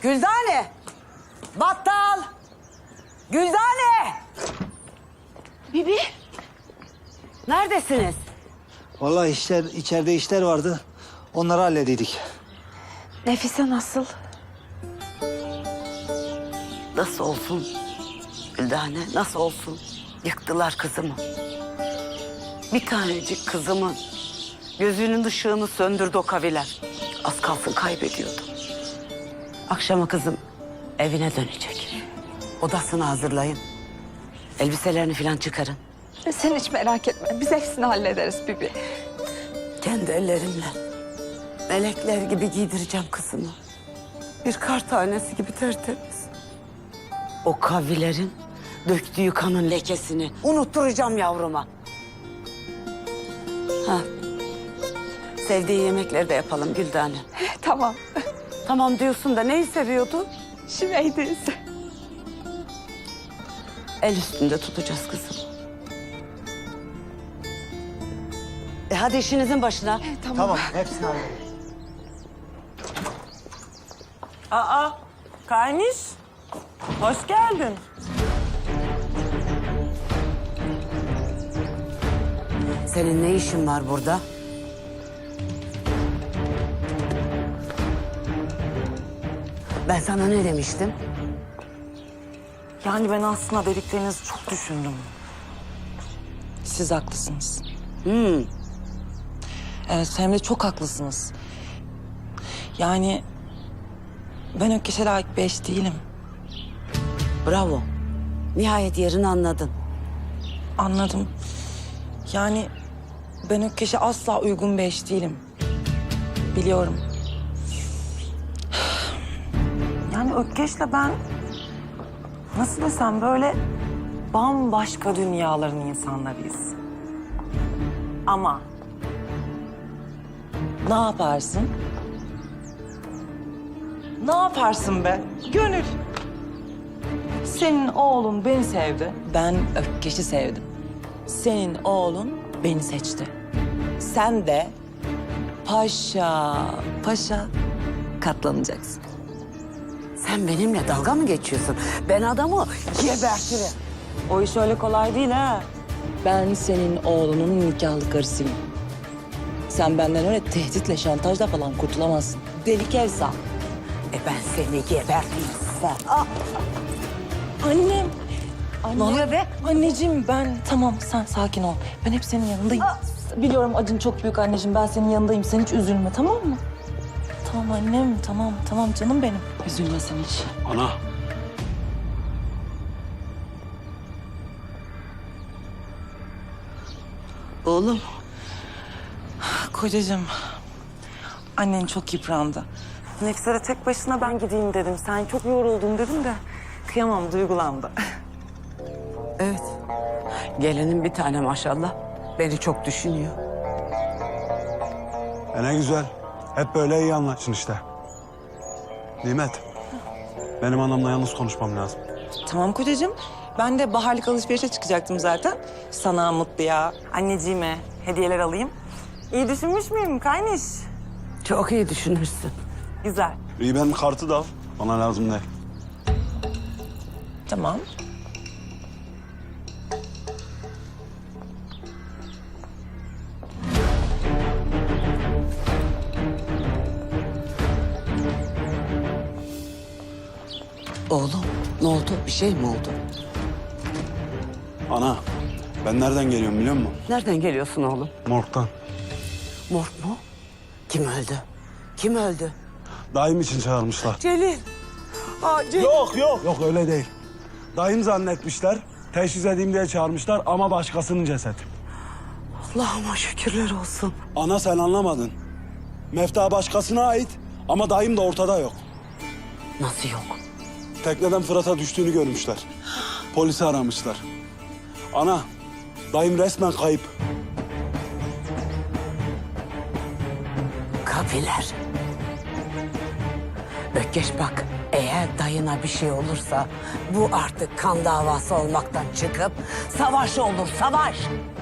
Güldane! Battal! Güldane! Bibi. Neredesiniz? Vallahi içeride işler vardı. Onları hallediydik. Nefise nasıl? Nasıl olsun? Güldane nasıl olsun? Yıktılar kızımı. Bir tanecik kızımın gözünün ışığını söndürdü o kaviler. Az kalsın kaybediyordum. Akşama kızım evine dönecek. Odasını hazırlayın. Elbiselerini falan çıkarın. Sen hiç merak etme. Biz hepsini hallederiz Bibi. Kendi ellerimle melekler gibi giydireceğim kızımı. Bir kar tanesi gibi tertemiz. O kavilerin döktüğü kanın lekesini unutturacağım yavruma. Ha. Sevdiği yemekleri de yapalım Güldane. Tamam. Tamam diyorsun da neyi seviyordu? Şimeydeyiz. El üstünde tutacağız kızım. Hadi işinizin başına. Tamam, hepsini hallederiz. Aa, Kayniş. Hoş geldin. Senin ne işin var burada? Ben sana ne demiştim? Yani ben aslında dediklerinizi çok düşündüm. Siz haklısınız. Evet, hem de çok haklısınız. Yani ben Ökkeş'e layık bir eş değilim. Bravo. Nihayet yerini anladın. Anladım. Yani ben Ökkeş'e asla uygun bir eş değilim. Biliyorum. Yani Ökkeş'le ben nasıl desem böyle bambaşka dünyaların insanlarıyız. Ama ne yaparsın? Ne yaparsın be? Gönül. Senin oğlun beni sevdi. Ben Ökkeş'i sevdim. Senin oğlun beni seçti. Sen de paşa paşa katlanacaksın. Sen benimle dalga mı geçiyorsun? Ben adamı gebertirim. O iş öyle kolay değil ha. Ben senin oğlunun nikahlı karısıyım. Sen benden öyle tehditle, şantajla falan kurtulamazsın. Deli Kevsa. Ben seni geberteyim. Annem. Anne. Ne oluyor be? Anneciğim ben tamam sen sakin ol. Ben hep senin yanındayım. Biliyorum acın çok büyük anneciğim. Ben senin yanındayım. Sen hiç üzülme tamam mı? Tamam annem tamam canım benim. Üzülme sen hiç. Ana. Oğlum. Kocacığım. Annen çok yıprandı. Nefis'e tek başına ben gideyim dedim. Sen çok yoruldun dedim de kıyamam duygulandı. Evet. Gelinin bir tane maşallah. Beni çok düşünüyor. Ne güzel. Hep böyle iyi anlaşın işte. Nimet. Benim anamla yalnız konuşmam lazım. Tamam kocacığım. Ben de baharlık alışverişe çıkacaktım zaten. Sana Mutlu'ya, anneciğime hediyeler alayım. İyi düşünmüş müyüm Kayniş? Çok iyi düşünürsün. Güzel. İyi benim kartı da al. Bana lazım değil. Tamam. Oğlum ne oldu? Bir şey mi oldu? Ana. Ben nereden geliyorum biliyor musun? Nereden geliyorsun oğlum? Morg'dan. Morg mu? Kim öldü? Kim öldü? Dayım için çağırmışlar. Celil. Celil. Yok öyle değil. Dayım zannetmişler. Teşhis edeyim diye çağırmışlar ama başkasının cesedi. Allah'ıma şükürler olsun. Ana sen anlamadın. Mefta başkasına ait ama dayım da ortada yok. Nasıl yok? Tekneden Fırat'a düştüğünü görmüşler. Polisi aramışlar. Ana, dayım resmen kayıp. Kabiler. Ökkeş bak, eğer dayına bir şey olursa bu artık kan davası olmaktan çıkıp savaş olur, savaş.